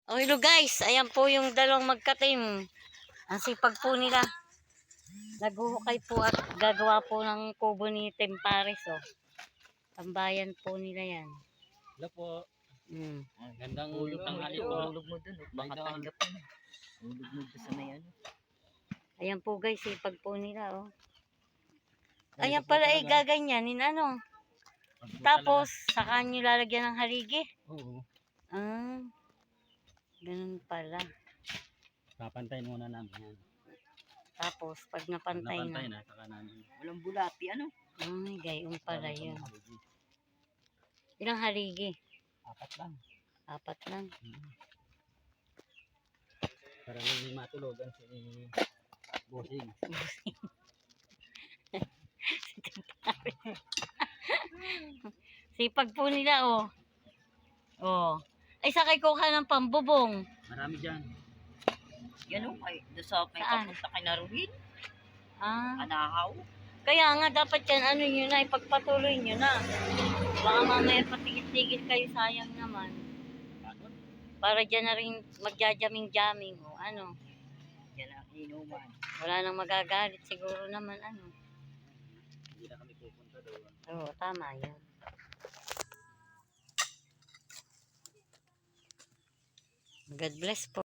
Oh, hello guys, ayan po yung dalawang magka-team. Ang sipag po nila. Naghuhukay po at gagawa po ng kubo ni Tempares. Oh. Tambayan po nila yan. Hello po. Gandang tanghali po. Hulog mo dun. Baka tanggap mo. Hulog mo dun sa may ano. Ayan po guys, sipag po nila. Oh. Ayan pala ay gaganyanin ano. Tapos, saka nyo lalagyan ng haligi. Oo. Ah, ganun pala. Papantayin muna namin yan. Tapos, pag napantay na. Saka namin. Walang bulati ano. Ay, gayon pala yun. Ilang haligi? 4 lang. 4 lang. Para lang hindi matulogan si Bossing. Sipag po nila, oh. Oh. Ay, sakay ko ka ng pambubong. Marami dyan. Yan o. Doon sa may Saan? papunta kay Naruhin. Ah. Anahaw. Kaya nga, dapat yan, ano nyo na, ipagpatuloy nyo na. Baka mamaya patigil-tigil kayo, sayang naman. Para dyan na rin magjajaming-jaming, o ano. Yan ang inuman. Wala nang magagalit, siguro naman, ano. Hindi na kami pupunta doon. Oo, tama yan. God bless po.